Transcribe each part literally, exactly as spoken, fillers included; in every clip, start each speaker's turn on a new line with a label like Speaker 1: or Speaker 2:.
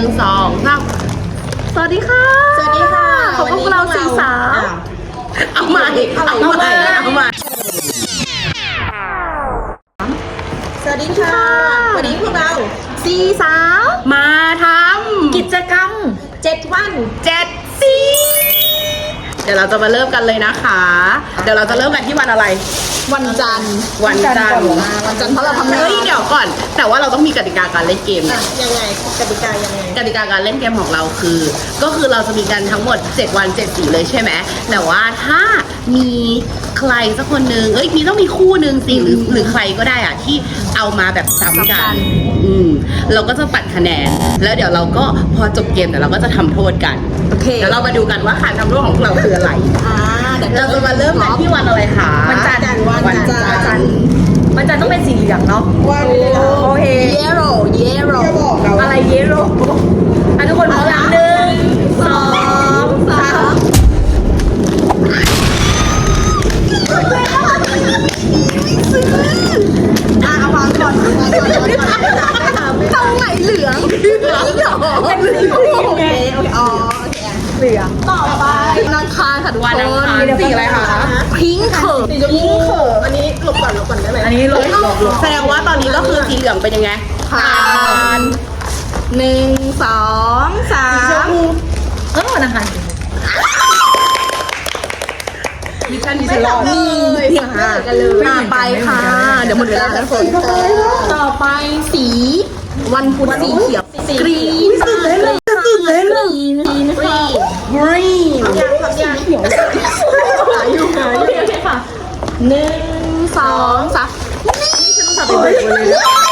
Speaker 1: สองสามสวัสดีค่ะ
Speaker 2: สวัสดีค่ะ
Speaker 1: ขอบคุณเราสี่สาวเอาใหม่เอาใหม่เอาใหม่
Speaker 2: สวัสดีค่ะวันนี้พวกเรา
Speaker 1: สี่สาวมาทำกิจกรรม
Speaker 2: เจ็ดวัน
Speaker 1: เจ็ดสีเดี๋ยวเราจะมาเริ่มกันเลยนะคะเดี๋ยวเราจะเริ่มกันที่วันอะไร
Speaker 2: วันจันทร์
Speaker 1: วันจันทร์
Speaker 2: วันจันทร์เพราะเราทำงาน
Speaker 1: เฮ้ยเดี๋ยวก่อนแต่ว่าเราต้องมีกติกาการเล่นเกมนะ
Speaker 2: ยังไงกติกายังไง
Speaker 1: กติกาการเล่นเกมของเราคือ ก็คือเราจะมีกันทั้งหมดเจ็ดวันเจ็ดสีเลยใช่ไหมแต่ว่าถ้ามีใครสักคนนึงเอ้ยมีต้องมีคู่นึงสิหรือหรือใครก็ได้อะที่เอามาแบบซ้ำกันอืมเราก็จะปัดคะแนนแล้วเดี๋ยวเราก็พอจบเกมเดี๋ยวเราก็จะทำโทษกัน
Speaker 2: โอเค
Speaker 1: เดี๋ยวเรามาดูกันว่าการทำโทษของเราคืออะไร
Speaker 2: อ่าเดี๋ยว
Speaker 1: เราจะมาเริ่มกันที่วันอะไรคะ
Speaker 2: วันจันทร์
Speaker 1: วันจันทร์
Speaker 3: มันจะต้องเป็นสีเหลืองเนาะ
Speaker 2: วัน
Speaker 3: โอเค
Speaker 2: yellow yellow
Speaker 3: อะไรเยลโล่อ่ะทุกคนพร้อมแล้วหนึ่งสองสาม
Speaker 2: อ่ะเอาวางก่อนวางก่อนวางก่อนตรงไหนเหลืองเหลืองเหรอเป็นสีโอเคโอเคอ๋อโอเค
Speaker 3: เหลือง
Speaker 2: ต่อไปวันอังคารค่ะทุกคน
Speaker 1: วันอังคารสีอะไรคะ
Speaker 2: พิงค์เขิร์สีชมพูเขิร์อันนี้หลบก่อนหลบก่อนได้ไหม
Speaker 3: อันนี้ลบลบลบ
Speaker 1: แสดงว่าตอนนี้ก็คือสีเหลืองเป็นยังไง
Speaker 2: ผ่านหนึ่งสองสาม
Speaker 3: เออวันอังคาร
Speaker 1: มิชชั่นนี้ฉันรอด
Speaker 2: นี่ค่ะมาไปค่ะเดี๋ยวหมดเวลาแล้วคนต่อไปสีวันพุธสีเขียวกรีนตื่นเต้นเลยตื่นเต้นเลยกรีนกรีนค่ะกรีนยังทำยังเขียวหายอยู่หายอยู่โอเคค่ะหนึ่งสองสามนี่ฉันต้องทำเป็นเบรกเลย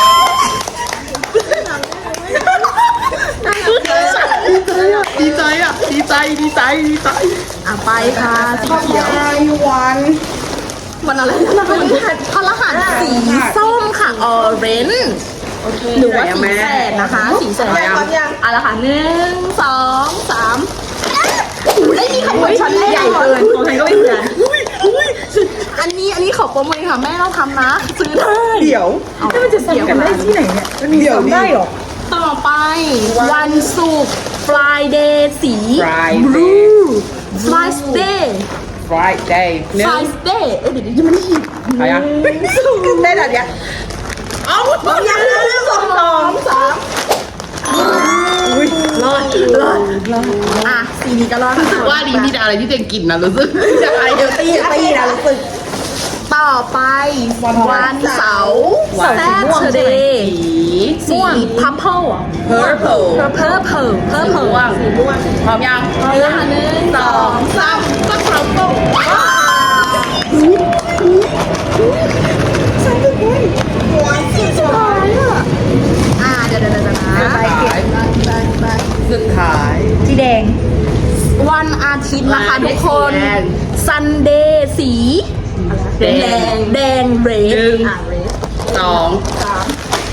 Speaker 1: ดีใจอ่ะดีใจดีใจดีใจ
Speaker 2: อ่ะไปค่ะสีเขียววันวันอะไรนะวันพฤหัสสีส้มค่ะออเรนจ์หรือว่าสีแสดนะคะสีแสดอ่ะละค่ะหนึ่งสองสามได้มีขบวนชั้นใหญ่เกิน
Speaker 3: ของใครก็ไม่เหมือน
Speaker 2: อันนี้อันนี้ขอโปรโมทค่ะแม่เราทำนะซื้อได้
Speaker 1: เดี๋ยว
Speaker 3: แล้วมันจะเสียกันได้ที่ไหนเนี่ยมันมีซ้ำได้หรอ
Speaker 2: ต่อไปวันศุกร์ Friday สี blue Friday
Speaker 1: Friday หนึ่ง
Speaker 2: Friday เอ้ยเดี๋ยวยังไม่ได้ยิน
Speaker 1: ใครอ่ะได้แล้วเนี่ย
Speaker 2: เอาอย่างนึงสองสองสาม
Speaker 1: อุ้ยรอดรอดรอด
Speaker 2: อ่ะสีนี้ก็รอด
Speaker 1: ว่าดีมีแต่อะไรที่เจงกินนะรู้สึกจะอะไรเฮลตี้
Speaker 2: ตีนะรู้สึกต่อไปวันเสาร์ Saturday สีพัมเพิลอ่ะ
Speaker 1: purple
Speaker 2: purple purple
Speaker 1: ม่วงสีม่วงพร้อมยัง
Speaker 2: พร้อมแล้วหนึ่งสองสามก็พร้อมปุ๊บฉันเป็นคนหัวสีสุดท้ายอ่ะอ่าเดี๋ยวเดี๋ยวเดี๋ยวนะ
Speaker 1: ไปเก็บไปสุดท้าย
Speaker 3: สีแดง
Speaker 2: วันอาทิตย์นะคะทุกคน Sunday สีแดงแดงเรดอ่ะเรด
Speaker 1: สอง
Speaker 2: สาม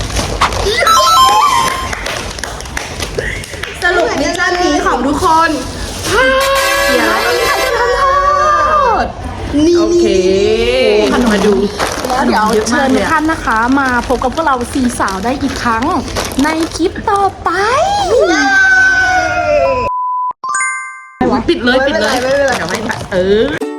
Speaker 2: สรุปมิชชั่นนี้ของทุกคนเสียแล้วมีใครจะทำโทษนี่
Speaker 1: โอเคมาดู
Speaker 2: แล้วเดี๋ยวเชิญทุกท่านนะคะมาพบกับพวกเราสี่สาวได้อีกครั้งในคลิปต่อไป
Speaker 1: ปิดเลยปิดเลยเดี๋ยวไม่เออ